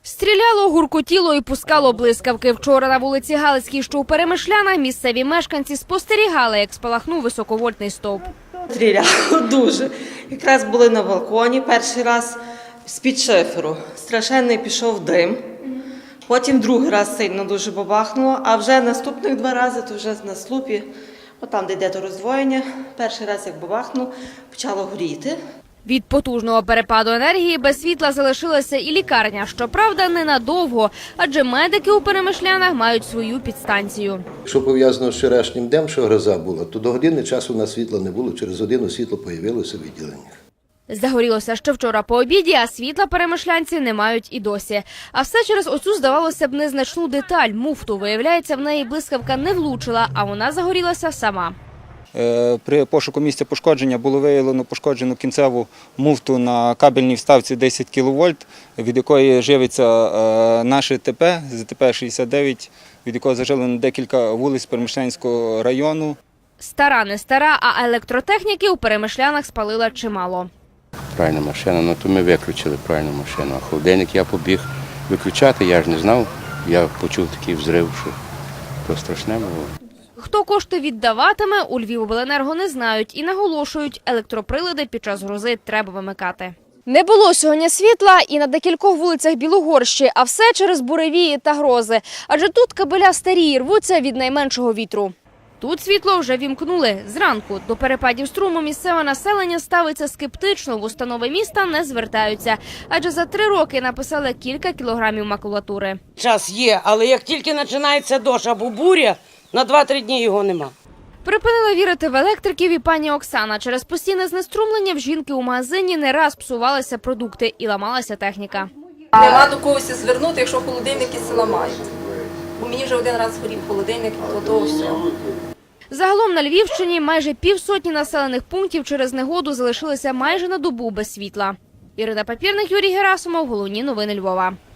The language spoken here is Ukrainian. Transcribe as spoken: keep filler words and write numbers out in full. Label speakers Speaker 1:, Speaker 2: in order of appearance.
Speaker 1: Стріляло, гуркотіло і пускало блискавки. Вчора на вулиці Галицькій, що у Перемишлянах, місцеві мешканці спостерігали, як спалахнув високовольтний стовп.
Speaker 2: Стріляло дуже. Якраз були на балконі перший раз з-під шиферу. Страшенний пішов дим. Потім другий раз сильно дуже бабахнуло, а вже наступних два рази, то вже на слупі, отам, де йде до роздвоєння, перший раз, як бабахнуло, почало горіти.
Speaker 1: Від потужного перепаду енергії без світла залишилася і лікарня. Щоправда, ненадовго, адже медики у Перемишлянах мають свою підстанцію.
Speaker 3: Що пов'язано з вчорашнім днем, що гроза була, то до години часу на світла не було, через годину світло з'явилося в відділеннях.
Speaker 1: Загорілося ще вчора по обіді, а світла перемишлянці не мають і досі. А все через оцю, здавалося б, незначну деталь – муфту. Виявляється, в неї блискавка не влучила, а вона загорілася сама.
Speaker 4: При пошуку місця пошкодження було виявлено пошкоджену кінцеву муфту на кабельній вставці десять кіловольт, від якої живиться наше ТП, З Т П шістдесят дев'ять, від якого зажилено декілька вулиць Перемишлянського району.
Speaker 1: Стара не стара, а електротехніки у Перемишлянах спалила чимало.
Speaker 5: Правильна машина, ну то ми виключили правильну машину. А холодильник я побіг виключати, я ж не знав. Я почув такий взрив, що то страшне було.
Speaker 1: Хто кошти віддаватиме, у Львівобленерго не знають і наголошують, електроприлади під час грози треба вимикати. Не було сьогодні світла і на декількох вулицях Білогорщі, а все через буревії та грози. Адже тут кабеля старі і рвуться від найменшого вітру. Тут світло вже вімкнули. Зранку до перепадів струму місцеве населення ставиться скептично, в установи міста не звертаються. Адже за три роки написали кілька кілограмів макулатури.
Speaker 6: Час є, але як тільки починається дощ або буря, на два-три дні його нема.
Speaker 1: Припинила вірити в електриків і пані Оксана. Через постійне знеструмлення в жінки у магазині не раз псувалися продукти і ламалася техніка.
Speaker 7: Нема до когось звернути, якщо холодильники села мають. Бо мені вже один раз згорів холодильник, то того всього.
Speaker 1: Загалом на Львівщині майже півсотні населених пунктів через негоду залишилися майже на добу без світла. Ірина Папірник, Юрій Герасимов. Головні новини Львова.